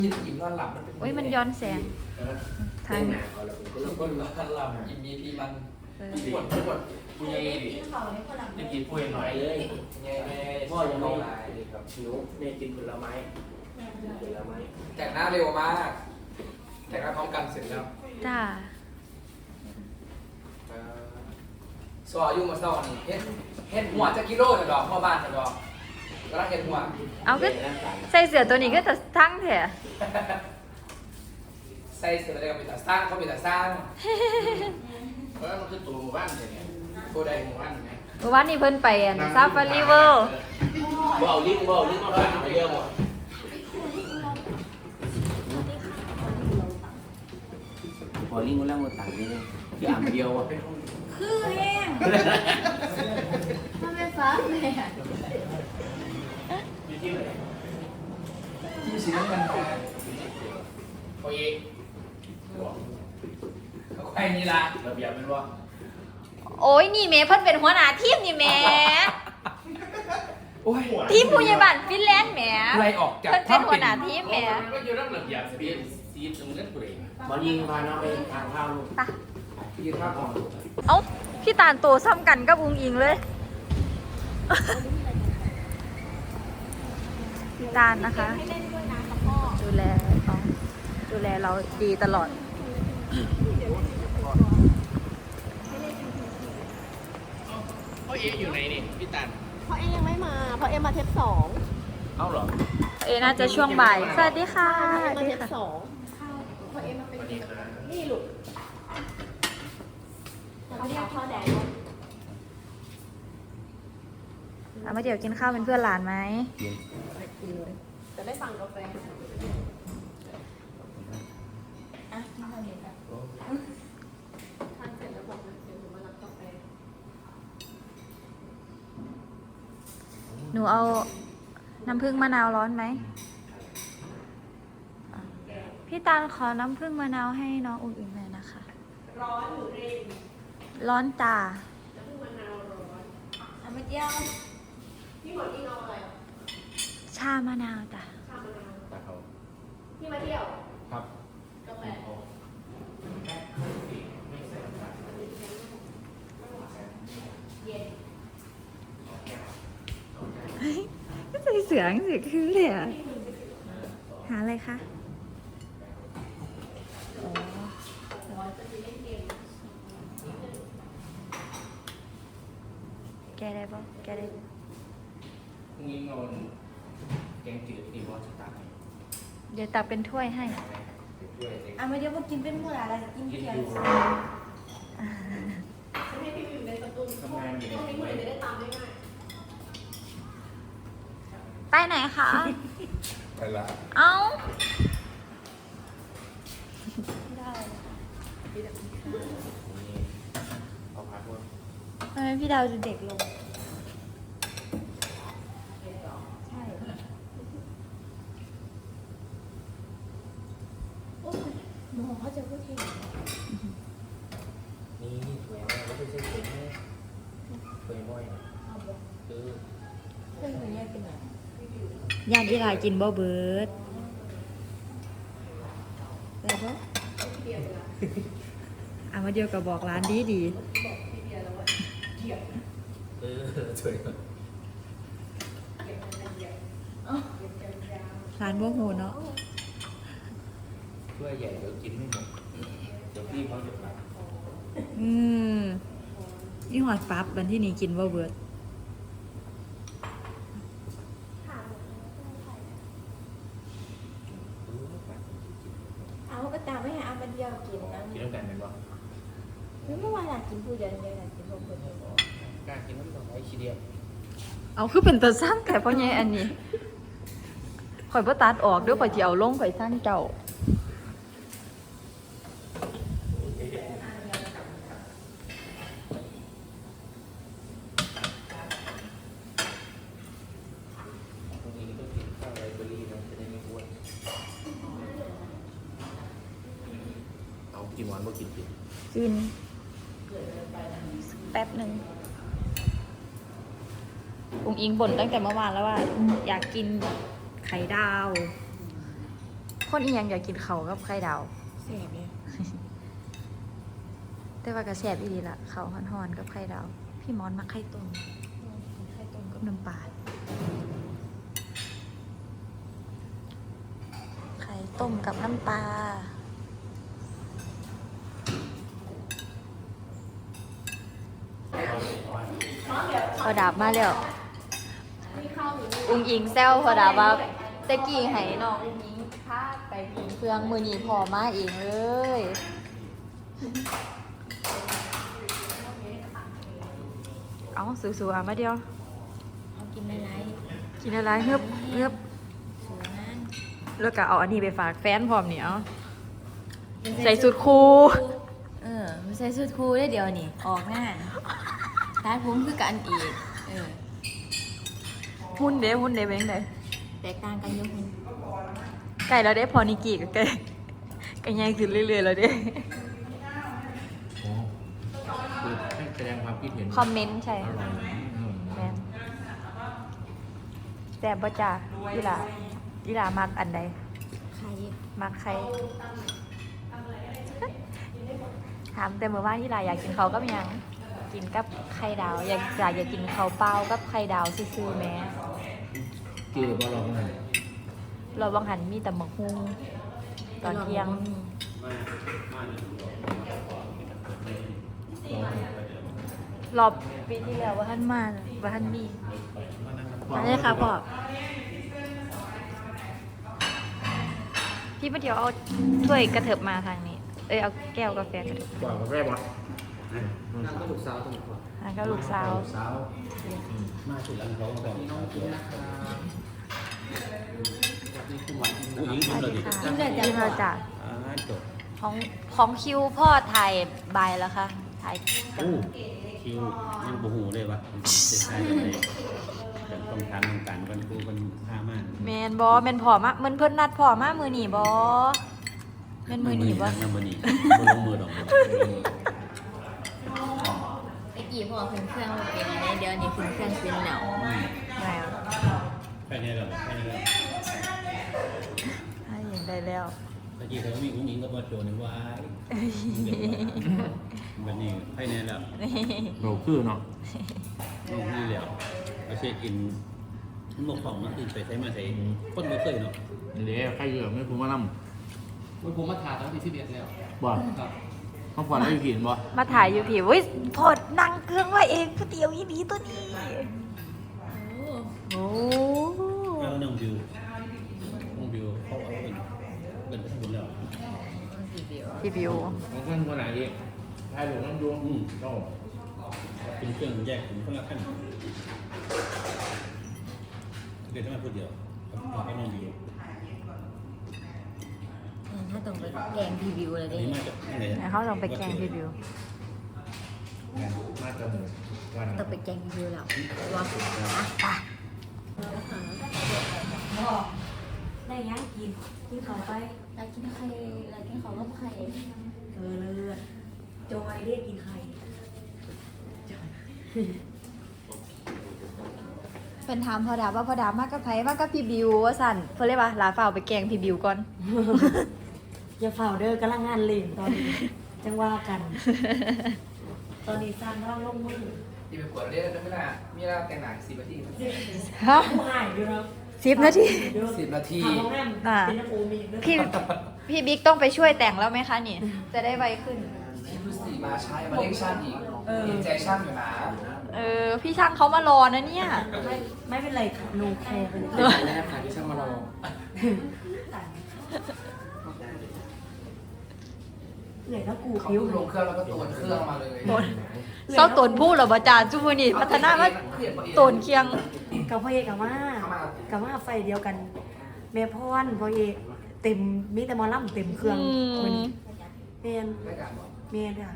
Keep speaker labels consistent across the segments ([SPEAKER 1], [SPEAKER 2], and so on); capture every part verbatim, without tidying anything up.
[SPEAKER 1] ยินอิ่มนอนหลับมันเป็น
[SPEAKER 2] โอ้ยมันย้อนแสงทาง
[SPEAKER 1] แล้วก็นอนหลับอิ่มมีพีมันปวดปวด
[SPEAKER 3] กูยังยังกินพูดหน่อยเลย
[SPEAKER 1] ไงไง
[SPEAKER 3] พ่อยังไม่ลายเลยครับหิวแม่กินผลไม้ผลไม้
[SPEAKER 1] แต่งหน้าเร็วมากแต่งหน้าพร้อมกันเสร็จแล้ว
[SPEAKER 2] จ้า
[SPEAKER 1] สวายุ่งมาเศร้านี่เฮ็ดเฮ็ดหัวจะกิโลจะดอกหัวบ้านจะดอกแล้วเฮ็ดหัว
[SPEAKER 2] เอาก็ใส่เสื้อตัวนี้ก็จะทั้งแถะ
[SPEAKER 1] ใส่เสื้ออะไรก็มีแต่สร้างเขามีแต่สร้าง
[SPEAKER 3] เพราะมันคือตัวหมู่บ้านเลยเนี่ย
[SPEAKER 1] ตัวใด
[SPEAKER 3] หมู่บ้านไง
[SPEAKER 2] เมื่อวานนี้เพิ่นไปซาฟารีเวิลด์
[SPEAKER 3] บ่เอาลิ้นบ่เอาลิ้นมาฟังไปเยอะหมดพอลิ้นกูแล้วมันต่างนี่เลยอย่างเดียวอ่ะ
[SPEAKER 2] คือแห้งมันเป็นฟ้าแม่
[SPEAKER 1] ที่สีน้ำเงินของ
[SPEAKER 3] โอ้ย
[SPEAKER 1] เขาใครนี่ล่ะ
[SPEAKER 3] ระเบียบเป็นว่า
[SPEAKER 2] โอ้ยนี่แม่เพิ่นเป็นหัวหน้าทีมนี่แม่
[SPEAKER 1] โอ้ย
[SPEAKER 2] ทีมผู้ใหญ่บ้านฟินแลนด์แหม่
[SPEAKER 1] ไล่ออกจาก
[SPEAKER 2] เพิ่นเป็นหัวหน้าทีมแหม่
[SPEAKER 3] ก็อยู่รับระเบียบสีสีตรงนั้นกูเลยบอลยิงพาน้องไปทางข้าวลูก
[SPEAKER 2] ตา
[SPEAKER 1] พี่ข้าวของ
[SPEAKER 2] เอ้าพี่ตาลโตซ้ำกันกับอุ้งอิงเลย พี่ตาลนะคะ ดูแลน้องดูแลเราดีตลอด
[SPEAKER 3] พ่อเออยู่ไหนนี่พี่ตัน
[SPEAKER 4] เพราะเอ็ยังไม่มาเพราะเอ็มมาเทปสอง
[SPEAKER 3] เอ้าเหรอ
[SPEAKER 2] เอน่าจะช่วงบ่าย สวัสดีค่ะ
[SPEAKER 4] เอ็มมาเทปสองเพราะเอ็มมาเป็นนี่ลูกเขาเรียกพ่อแดง
[SPEAKER 2] เอามาเดี๋ยวกินข้าวเป็นเพื่อนหลานไหม
[SPEAKER 4] จะได้สั่งกาแฟอ่ะที่เราเห็นอ่ะทานเสร็จแล้วบอกนะเดี๋ยวหนูมารับกาแฟ
[SPEAKER 2] หนูเอาน้ำผึ้งมะนาวร้อนไหม พี่ตาลขอน้ำผึ้งมะนาวให้น้องอุ้งอิงหน่อยนะคะ
[SPEAKER 4] ร้อนหรือเร็ว
[SPEAKER 2] ร้อนจ้า
[SPEAKER 4] น้ำผึ้งมะนาวร้อน
[SPEAKER 2] เอามาเดียว
[SPEAKER 4] พี่หมดที่นอนอะไร
[SPEAKER 2] ชามะนาวจ้ะ
[SPEAKER 4] ชามะนาว
[SPEAKER 3] ตาเขา
[SPEAKER 4] พี่มาเที่ยว
[SPEAKER 3] ครับ
[SPEAKER 4] กาแฟ เย็น
[SPEAKER 2] ก็ใส่เสืองสิคือเลยอะหาอะไรคะอ๋อแกได้ปะแกได้ปะ
[SPEAKER 3] งี้นอนแกงจืดดีบอสตาร์
[SPEAKER 2] เดี๋ยวตักเป็นถ้วยให้
[SPEAKER 4] อ่ะมาเดี๋ยวมากินเป็นเมื่อไรกิน
[SPEAKER 3] กิน
[SPEAKER 4] เพียง
[SPEAKER 3] ดู
[SPEAKER 4] ให้พี่อยู่ในสตู
[SPEAKER 3] ทำงานอยู่
[SPEAKER 4] ช่วงนี้
[SPEAKER 3] ไห
[SPEAKER 4] เมื่
[SPEAKER 3] น
[SPEAKER 4] อจะได้ตามได้ง่าย
[SPEAKER 2] ไปไหนคะ
[SPEAKER 1] ไปละ
[SPEAKER 2] เอ้า
[SPEAKER 3] เอาพักว่า
[SPEAKER 2] ทำไมพี่ดาวดูเด็กลง ใช่
[SPEAKER 4] หนูเขาจะพูดเอง
[SPEAKER 3] นี่ถวยแม่ก็ไม่ใช่ถวยแม่ถวยบ่อยคือ
[SPEAKER 4] เพื่อนคนนี้เป็นไง
[SPEAKER 2] ยานอีหลากินบ่เบิร์ดอะไรบ่อ่ะมาเดียวกับบอกร้านดีดี
[SPEAKER 3] เออถวย
[SPEAKER 2] ร้านบ่หูเนาะ
[SPEAKER 3] ถ้วยใหญ่เดี๋ยวกินไม่หมดเดี๋ยวพี่เขาจะรับ
[SPEAKER 2] อืมนี่หอดปั๊บวันที่นี่กินบ่เบิร์ด
[SPEAKER 4] เอาก็ตามไม่ให้อามาเดียวกินนะ
[SPEAKER 3] กินน้ำกันเป็นบ่
[SPEAKER 4] เมื่อวานอยากกินผู้เดียวเดียวอยากกินพวกคนเดียว
[SPEAKER 3] กล้ากินน้ำดอกไม้ชีเดียว
[SPEAKER 2] เอาคือเป็นตาสร้างแต่พ่อใหญ่อันนี้ข่อยบ่ตัดออกเด้วยข่อยสิเอาลงข่อยสร้างเจ้า
[SPEAKER 3] ตรงนี้ก็กินข้าวไรเบอรี่นะจะได้ไม่อ้วนเอากินหวานบ่กินกิน
[SPEAKER 2] กินแป๊บหนึ่งอุ้งอิงบ่นตั้งแต่เมื่อวานแล้วว่า อยากกินไข่ดาวคนอีหยังอยากกินเขาวกับไข่ดาว
[SPEAKER 4] เสียบเลย
[SPEAKER 2] แต่ว่ากระแสบอีดีละเขาวห่อนๆกับไข่ดาว พี่มอนมักไข่ต้ม
[SPEAKER 4] ไข่ต้ม
[SPEAKER 2] กับน้ำปลาไข่ต้มกับน้ำปลาพอดาบมาแล้ว
[SPEAKER 4] มีข้าวอยู่นี่
[SPEAKER 2] อุ้งอิงแซวพอดาบว่าตะกี้ให้น้องอุ้งอิงพาไปกินเครื่องมือนีพอมาเองเลย เอาสูๆอ่ะมาเดียว
[SPEAKER 4] เอากินอะไร
[SPEAKER 2] กินอะไรเฮือบเฮือบ
[SPEAKER 4] สวยมาก
[SPEAKER 2] แล้วก็เอาอันนี้ไปฝากแฟนพร้อมเนี่ยเอาใส่สุดคู
[SPEAKER 4] เออไม่ใส่สุดคูได้เดียวนี่ ออกหน้าร้านผมคือกันอีก เออ
[SPEAKER 2] หุ่นเด้หุ่นเด้เป็นยังไง
[SPEAKER 4] แตกต่างกันอยุ่คุณ
[SPEAKER 2] ไก่เราได้พอนิกิกับไก่ไก่ใหญ่ขึ้นเรื่อยๆแล้วเด้
[SPEAKER 3] โอ้คือให้แสดงความคิดเห็น
[SPEAKER 2] คอมเมนต์ใช่
[SPEAKER 3] อร่อยอืม
[SPEAKER 2] แมนแต่บ่จ้ายีหลายีหลามักอันใด
[SPEAKER 4] ใคร
[SPEAKER 2] มักใคร ถามแต่เมื่อวานยีหลาอยากกินเขาวกับหยังกินกับไข่ดาว อยากอยากอยากกินข้าวเปล่ากับไข่ดาวซื่อๆแหม่
[SPEAKER 3] เกี่ยวกับเราไง
[SPEAKER 2] เราบางหันมีแต่หมกฮุงตอนเที่ยง รอบปีที่แล้วว่าท่านมาว่าท่านมีมาเลยค่ะพ่อพี่มาเดี๋ยวเอาถ้วยกระเถิบมาทางนี้ เอ้ยเอาแก้วกาแฟกระเถิบ
[SPEAKER 3] กว่ากับแม่บอส
[SPEAKER 1] นั่งก็ลูกสาวตรงนี้
[SPEAKER 2] อ่ะก็ลูกสาว
[SPEAKER 3] สาวมาสุดแล้วเขาบอก
[SPEAKER 1] น้องกินนะครับนี่คือหวานกิน
[SPEAKER 3] ผู้หญิง
[SPEAKER 1] นะ
[SPEAKER 3] คนเดียวดิ
[SPEAKER 2] กินเลยจ้ะกินเลยจ้ะ
[SPEAKER 3] อ่าจบ
[SPEAKER 2] ของของคิวพ่อถ่ายใบายแล้วค่ะถ่าย
[SPEAKER 5] อู้คิวยังบูหูเลยว่ะจะใช่เลยแต่ต้องทำต้องการกันกูมันพามาก
[SPEAKER 2] แมนบอแมนพ่อมาเหมือนเพิ่นนัดพ่อมามือหนีบอแมนมือหนีบอ
[SPEAKER 5] นั่งมือนี่บ่ลงมือดอก
[SPEAKER 4] ไอ้กี่พอขึ้นเครื่องมาเป็นอะไรเดี๋ยวนี้ขึ้นเครื่องเป็นเหนา
[SPEAKER 2] ไงอ่ะ
[SPEAKER 5] แค่นี้แหละแค่นี้แหละ
[SPEAKER 2] ให้เห็นได้แล้ว
[SPEAKER 5] เมื่อกี้เขามีอุ้งอิงก็มาโจนว่าวันนี้แค่นี้แหละ
[SPEAKER 3] เราคือเนาะ
[SPEAKER 5] ลูกนี่แล้วไปเช็คอินหมกของมันคือไปใช้มาใช้คนไม่เคยเนาะ
[SPEAKER 3] เดี๋ยวใครเยอะไม่คุ้มมาล่
[SPEAKER 1] มันผมมาถ่ายตั้งที่สิบเอ็ดแล้ว
[SPEAKER 3] ำบ่
[SPEAKER 1] ครับ
[SPEAKER 3] ต้องฝันได้ผิดบ่
[SPEAKER 2] มาถ่ายอยู่ผิววิพอดนั่งเครื่องไว้เองก๋วยเตี๋ยวอีนี้ตัวนี้
[SPEAKER 4] โอ้
[SPEAKER 2] โอ้
[SPEAKER 5] แล้วน้องบิวน้องบิวเขาเอาเป็นเป็นไปทั้งหมดแล้ว
[SPEAKER 4] กี่เดียว
[SPEAKER 2] พี่บิว
[SPEAKER 3] ของเพื่อนคนไหนอีกใครหลงน้ำดวง
[SPEAKER 5] อืม
[SPEAKER 3] โอ้
[SPEAKER 5] เป็นเครื่องแยกเป็นคนละขั้นเดี๋ยวจะมาพูดเดียวเราก็น้องบิว
[SPEAKER 4] ถ้าต้องไปแกงพรีวิวเลย
[SPEAKER 5] อัน
[SPEAKER 4] ดิ
[SPEAKER 5] นี้มาจากที่ไหน
[SPEAKER 2] ไหนเขาลองไปแกงพี่บิว
[SPEAKER 3] มาจมูกวัน
[SPEAKER 4] ต้องไปแกงพรีวิวแล้วว่าได้ย่างกินกินเขาไปแล้วกินไข่แล้วกินเขาก็ไข่เออเลือดจอยเรียกกินไข่
[SPEAKER 2] เป็นถามพอดาว่าพอดามากกับไผมากกับพี่บิวว่าสั่นเพื่อเรียกว่าลาเฝ้าไปแกงพี่บิวก่อน
[SPEAKER 6] อย่าเฝ้าเด้อกำลังงานเล่นตอนนี้ จังว่ากัน ตอนนี้สร้างร่างลงมือ
[SPEAKER 1] ที่ไปกดเรียกได้ไม่ได้มีเวลาแต่งหนังสิบนาที
[SPEAKER 2] ฮะ
[SPEAKER 6] ผู้หายอยู่เนาะ
[SPEAKER 2] สิบนาที
[SPEAKER 1] สิบนาที
[SPEAKER 6] ทำของนั่น
[SPEAKER 2] อ่า
[SPEAKER 6] เป็นนักโอมีเด้อ
[SPEAKER 2] พี่พี่บิ๊กต้องไปช่วยแต่งแล้วไหมคะนี่ จะได้ไวขึ้น
[SPEAKER 1] ที่ดูสีมาใช้มาเล่นช่างอีกเห็นใจช่างอยู่นะ
[SPEAKER 2] เออ พี่ช่างเขามารอนะเนี่ย
[SPEAKER 6] ไม่ไม่เป็นไรค่ะหนูแคร์เป็น
[SPEAKER 1] เป็นไรนะครับที่ช่างมารอ
[SPEAKER 6] เหนื่อยแล้วกู
[SPEAKER 1] เขา
[SPEAKER 6] ผิว
[SPEAKER 1] ลงเครื่องแล้วก็ตรวจเครื่องมาเลย
[SPEAKER 2] เศร้าตนผู้เหรอบาจารย์จุบุนี่พัฒนาว่าตนเคียง
[SPEAKER 6] กับพ่อเอกกับว่ากับว่าไฟเดียวกันแม่พรพ่อเอกเต็มมีแต่หมอลำเต็มเครื่อง
[SPEAKER 2] อืม
[SPEAKER 6] เหมือนเมียน
[SPEAKER 1] ไม่การบอก
[SPEAKER 6] เมียนค่ะ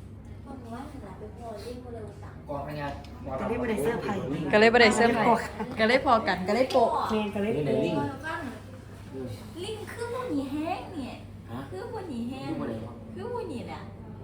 [SPEAKER 1] กองพญา
[SPEAKER 6] แต่นี่ไม่ได้เสื้อร์ไผ่
[SPEAKER 2] ก็เลยประเดี๋ยวเสื้อผ้าก็เลยพอกันก็เลยโปะ
[SPEAKER 6] เมียนก็เลยโป๊ะ
[SPEAKER 4] ลิงคือพวกนี้แห้งเนี่ยคือพวกนี้แห้งคือพวกนี้แหละ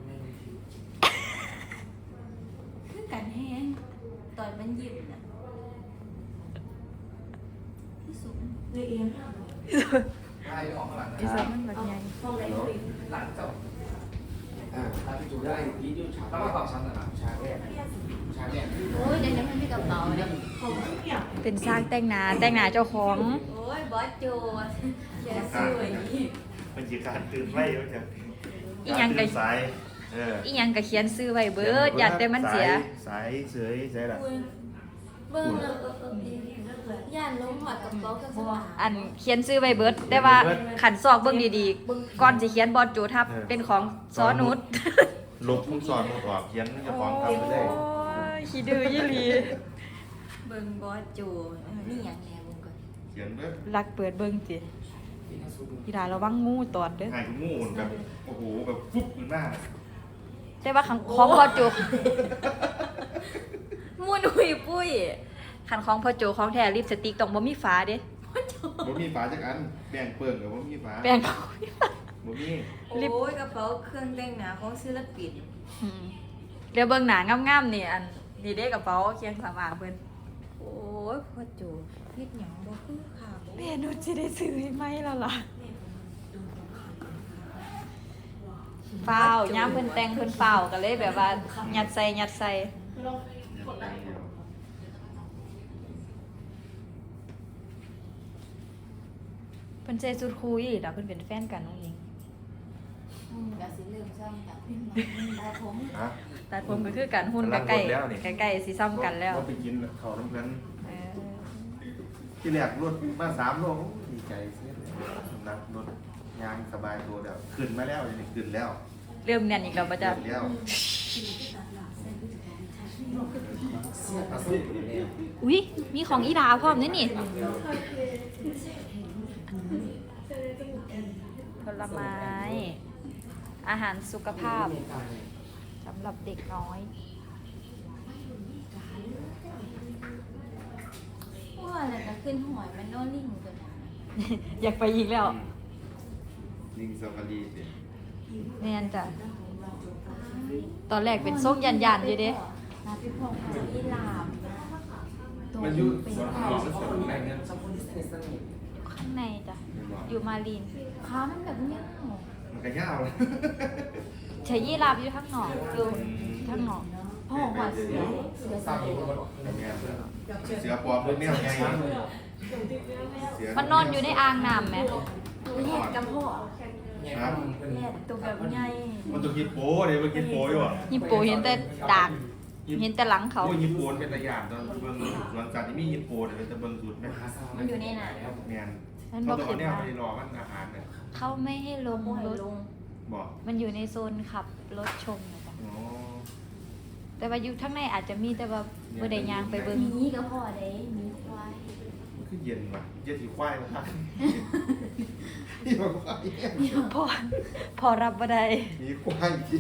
[SPEAKER 4] คือกันแห้งตอนมันยิ้มน่ะคือสูง
[SPEAKER 6] เลยเอง
[SPEAKER 1] อช่ออกข้างหลัง
[SPEAKER 2] อีสานมันแบบใหญ่
[SPEAKER 6] ห้องไหนห้องนี้
[SPEAKER 1] หลังเจ้า
[SPEAKER 3] อ่าถ้าพี่จูได้พี่จูฉาก
[SPEAKER 1] แล้วมาเป่าชั้นนะ
[SPEAKER 3] ฉากแรกฉากแรก
[SPEAKER 4] โอ้ยเดี๋ยวนี้มันมีกระเป๋าเนี่ย
[SPEAKER 6] ของทุกอย่าง
[SPEAKER 2] เป็นสร้างแต่งหน้าแต่งหน้าเจ้าของ
[SPEAKER 4] โอ้ยบอสโจแกสวยนี่
[SPEAKER 7] มันจะการตื่นไว้มันจะ
[SPEAKER 2] อีหยังก็
[SPEAKER 7] สายเออ
[SPEAKER 2] อีหยังก็เขียนซื้อไว้เบิดอย่าแต่มันเสีย
[SPEAKER 7] สายเสยใช่ละ
[SPEAKER 4] เบิ่งเออเออเออย่านลงหอดกระเป๋าเครื่องสำอาง
[SPEAKER 2] อันเขียนซื้อไว้เบิดแต่ว่าขันซอกเบิ่งดีๆก่อนสิเขียนบอดโจทับเป็นของซอนุช
[SPEAKER 7] ลบมุกสอนมุกออกเขียนจะฟ้องทำไปได้
[SPEAKER 2] โอ้ยขี้ดื้อยี่หลี
[SPEAKER 4] เบิ่งบอสโจเออนี่หยังแหน่เบิ่งก่อน
[SPEAKER 7] เขียนเบ้
[SPEAKER 2] รักเปิดเบิ่งสิอีดาระวังงูตอดเด้อ
[SPEAKER 7] หายงูแบบโอ้โหแบบฟุบขึ้นมา
[SPEAKER 2] แต่ว่าของของพอโจ มุนหุยปุ้ยขันของพอโจของแท้ลิปสติกต้องบ่มีฝาเด้
[SPEAKER 7] บ่มีฝาจักอันแบ่งเปิ่งกับบ่มีฝา
[SPEAKER 2] แปรงเขา
[SPEAKER 7] บ่มี
[SPEAKER 2] ลิป
[SPEAKER 4] โอ้ยกระเป๋าเครื่องแต่งหน้าของศิลปิน
[SPEAKER 2] อืมเดี๋ยวเบิ่งหนางามๆนี่อันนี่เด้กระเป๋าเคียงสามางเพิ่น
[SPEAKER 4] โอ้ยพ่อโจเฮ็ดหยังบ่คือค่ะบ่
[SPEAKER 2] แม่หนูสิได้ซื้อให้ไหมแล้วล่ะเฝ้าย่ามเพิ่นแต่งเพิ่นเฝ้าก็เลยแบบว่ายัดใส่ยัดใส่เพิ่นใส่ชุดคุยแล้วเพิ่นเป็นแฟนกันน้องหญิง
[SPEAKER 4] อืมก็สิเริ่มซ่อมจากขึ้นมาแต่ผม
[SPEAKER 7] ฮะ
[SPEAKER 2] ตัดผมก็คือกันหุ่นก็ใกล้
[SPEAKER 7] กำลังหมดแล้วนี่
[SPEAKER 2] ใกล้ๆสิซ้ำกันแล้ว
[SPEAKER 7] บ่ไปกินข้าวน้ำเพิ่น
[SPEAKER 2] เออ
[SPEAKER 7] ที่แรกรถมาสามโลโอ้ดีใจเสียเลยนักรถยางสบายตัวแล้วขึ้นมาแล้วนี่ขึ้นแล้ว
[SPEAKER 2] เริ่มแน่นอีกแล้วป่ะจ๊ะ
[SPEAKER 7] ขึ้นแล้ว
[SPEAKER 3] เสียประสุอยู่แล้ว
[SPEAKER 2] อุ้ยมีของอีดาพร้อมด้วยนี่ผลไม้ อาหารสุขภาพสำหรับเด็กน้อย
[SPEAKER 4] ว่าอะไรก็ขึ้นหอยมันโนลิ่งตัวนั้น
[SPEAKER 2] อยากไปอีกแล้ว
[SPEAKER 7] ลิงซาฟารีสิ
[SPEAKER 2] แน่นจ้ะตอนแรกเป็นส้มยันยันๆอยู่เด้
[SPEAKER 4] นาพี่พงศ์อีหลาบ
[SPEAKER 3] มันอยู่สวนของแล้วสวนแบ่งเงิน
[SPEAKER 1] ชอบคนที่สนิทสนิท
[SPEAKER 2] ข้างในจ้ะ อยู่มาลีน
[SPEAKER 4] ขามันแบบเนี้ย
[SPEAKER 7] มันก็ยาวเลย
[SPEAKER 2] ใช้ยี่ราบอยู่ข้างนอกอยู่ข้างนอก
[SPEAKER 4] พ่อหัวเสือเสือ
[SPEAKER 1] สา
[SPEAKER 4] ใส่
[SPEAKER 1] มีคนบอก
[SPEAKER 7] เสือปลอมเป็นแมวไงเสือ
[SPEAKER 2] มันนอนอยู่ในอ่างน้ำไหม
[SPEAKER 4] ตัวแยกกับพ่อ
[SPEAKER 7] ครับ
[SPEAKER 4] แยกตัวแบบใหญ่
[SPEAKER 7] มันตัวกินโป้เลยมันกินโป้อยู่อ่ะ
[SPEAKER 2] ยิปโปเห็นแต่ดากเห็นแต่หลังเขา
[SPEAKER 7] โอ้ยยิปโป้เป็นตะยานตอนเบิ่งสวนสัตว์ที่มียิปโป้เนี่ยเป็นตะเบิ่งสุดไหม
[SPEAKER 4] มันอยู่ในไหน
[SPEAKER 7] แมน
[SPEAKER 2] มันบ
[SPEAKER 7] เขา
[SPEAKER 2] อก
[SPEAKER 7] ต้อง
[SPEAKER 2] ขึ้
[SPEAKER 7] เอา
[SPEAKER 2] น
[SPEAKER 7] เนี่ย
[SPEAKER 2] มา
[SPEAKER 7] ไปรอมันอาหารเนี่ย
[SPEAKER 2] เขาไม่ให้ลง
[SPEAKER 4] โม
[SPEAKER 2] รถ
[SPEAKER 4] ลง
[SPEAKER 7] บอก
[SPEAKER 2] มันอยู่ในโซนขับรถชมนะจ๊ะ
[SPEAKER 7] อ๋อ
[SPEAKER 2] แต่ว่าอยู่ข้างในอาจจะมีแต่ว่าบ่ได้ยางไปเบิ่ง
[SPEAKER 4] มีกับพ่อได้มีควาย
[SPEAKER 7] มันคือเย็นว่ะเย็นสีควายมาพักนี่มันควาย
[SPEAKER 2] พอพอรับบ่ได้
[SPEAKER 7] มีควายที่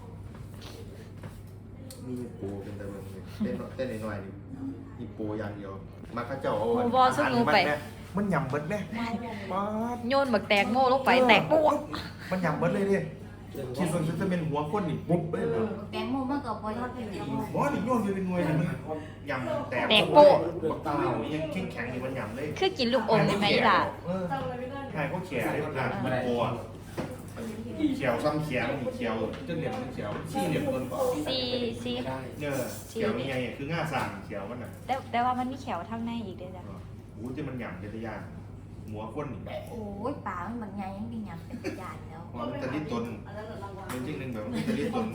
[SPEAKER 7] มียิปโป้เป็นตะเบิ่งเลยเต้นเต้นหน่อยๆนี่ยิปโป้อย่างเดียวมาข้าเจ้าเอา
[SPEAKER 2] หมูบอสู้หนูไป
[SPEAKER 7] มันยำเบิดแม่ป๊าด
[SPEAKER 2] โยนบักแตงโม่ลงไปแตกปุ๊บ
[SPEAKER 7] มันยำเบิดเลยเนี่ยคิดว่าจะเป็นหัวคนนี่ปุ๊บเลยเหรอ
[SPEAKER 4] แตงโมมันก็บ่ยอดเป็นอย่างนี้
[SPEAKER 7] บอสนี่โยนอยู่เป็นหน่วยเลยมันยำแตก
[SPEAKER 2] แตกโป๊ะ
[SPEAKER 7] บักเต้านี่ยังแข็งแข็งอยู่มันยำเลย
[SPEAKER 2] คือกินลูกอมได้ไหมอีหล่ะ
[SPEAKER 7] เออใช่เขาเขียเลยมันมันโอ้เขียวซ้ำเขียวนี่เขียวจะเหลี่ยมมันเขียวชี้เหลี่ยมต้นก่อน
[SPEAKER 2] ซีซี
[SPEAKER 7] เนี่ยเขียวนี่ไงคือง่าสั่งเขียวมันอ่ะ
[SPEAKER 2] แต่แต่ว่ามันมีแขวทางในอีกเด้อจ้ะ
[SPEAKER 7] โอ้ที่มันยำจะยากหัวคนนี่
[SPEAKER 4] โอ้ยป่ามันบางไงยังเป็นหยังเป็นใหญ่แล้ว
[SPEAKER 7] มันจะดิ้นตนเป็นจริงหนึ่งแบบมันจะดิ้นตน